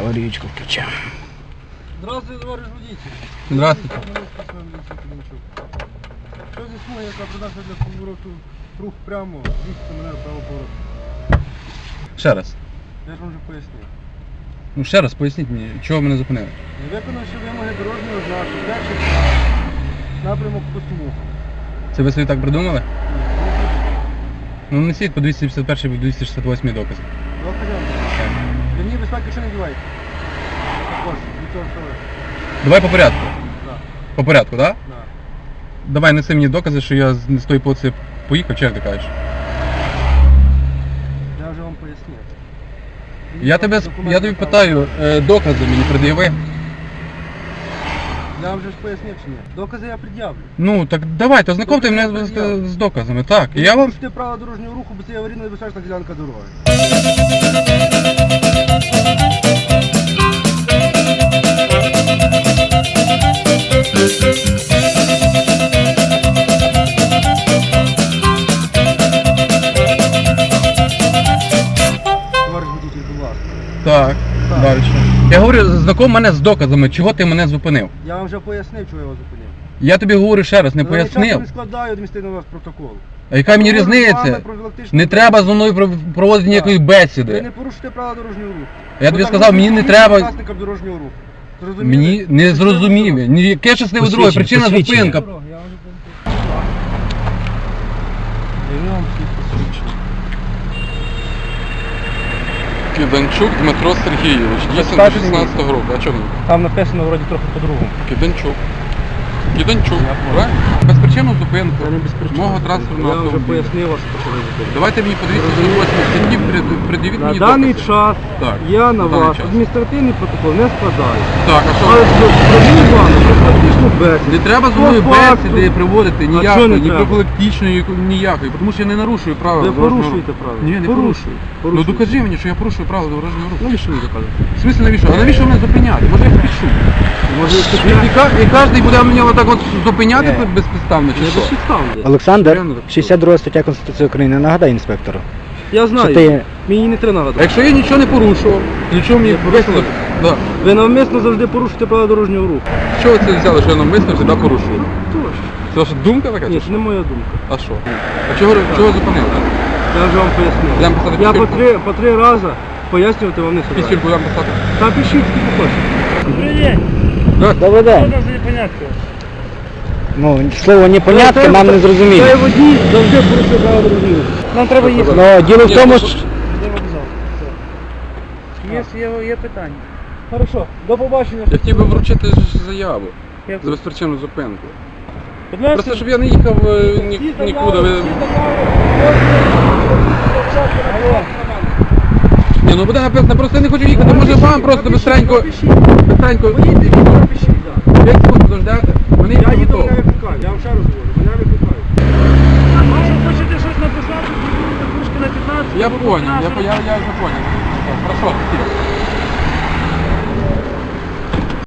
Аварійку включаємо. Здравствуйте, товарищ водитель. Здравствуйте. Що зі смуги, яка придатна для повороту рух прямо, їхати мене право повороту? Ще раз. Я ж вам вже пояснив. Ну ще раз поясніть мені, чого мене зупинили? Не виконавши вимоги дорожнього знаку, перший напрямок по смугу. Це ви собі так придумали? Ну несіть по 271 по 268 докази. Мені безпеки ще не дівайте. Також, нічого страшного. Давай по порядку. Так, По порядку, так? так. Давай неси мені докази, що я з тої полиці поїхав, чи як ти кажеш? Я вже вам пояснив. Я тобі питаю, докази мені пред'яви. Я вам вже ж пояснив чи ні. Докази я пред'явлю. Ну так давайте, ознакомте мене з доказами. Так, я вам... Порушуйте правила дорожнього руху, бо це аварійно небезпечна ділянка дороги. Товариш водитель, будь ласка. Так, Так. далі. Я говорю, знаком мене з доказами, чого ти мене зупинив. Я вам вже пояснив, чого я вас зупинив. Я тобі говорю ще раз, не Я часто пояснив. не складаю адміністративний вас протокол. А яка мені Говорю з вами різниця? профілактично. Не треба зі мною проводити ніякої Ви бесіди. не порушуєте правила дорожнього руху. Я тобі Ви сказав, так мені не говорите треба... власникам дорожнього руху. Зрозуміли? Мені не зрозуміло. Яке щасливе друге, причина зупинка. Я вам всіх посвідчую. Киданчук Дмитро Сергійович, дійсно до 16-го року. А чому? Там написано вроді трохи по-другому. Киданчук. Киданчук, Я понял. правильно? Безпричинну зупинку Я не без причини. мого транспортного Я вже автомобіля. пояснив вас, що ви зупинили. Давайте мені по 208 статті пред'явіть На мені даний докази. час Так, я на на даний вас час. адміністративний протокол не складаю. Так, а Але що? провів вам профілактичну бесіду. Не треба з мною По факту. бесіди приводити чого ніякої, не ні треба? профілактичної, ніякої, тому що я не нарушую правила Ви дорожнього руху. порушуєте правила. Ні, не порушую. Ну Порушуєте. докажи мені, що я порушую правила дорожнього руху. Навіщо ви доказуєте? В смысле навіщо? А навіщо мене зупиняти? Може я пишу? Може, І кожен буде мене отак от зупиняти безпідставно чи не що? безпідставно. Олександр, Я не так 62 стаття Конституції України. Нагадай інспектору. Я знаю, Що ти- мені не треба А нагадати. якщо я нічого не порушував, нічого мені порушили? Да. Ви навмисно завжди порушуєте правила дорожнього руху. Що ви це взяли, що я навмисно завжди порушую? Точно. Це ваша думка така? Ні, чи це що? не моя думка. А що? А чого зупинили? Я вже вам пояснив. Будемо писати Я пішки? по три рази пояснювати вам не собираюсь. Пісюльку будемо писати? Та пишіть, скільки хочете. Добрий день. Ну, слово непонятке нам не Цей зрозуміло. водій завжди порушує правила дорожнього руху. Нам треба їхати. Ну, діло в тому, що... Йдемо в зал. Є питання. Хорошо, до побачення. Я хотів би вручити заяву за безпричинну зупинку. Будь ласка. Просто щоб я не їхав нікуди. Ні, ну буде написано, просто я не хочу їхати, може вам просто бистренько, 5 секунд подождете, мене Я їхати їду, готово. мене викликають. Я вам ще раз говорю, мене викликають. Може, хочете щось написати, трошки на 15? Я понял, я вже понял. Хорошо, спасибо.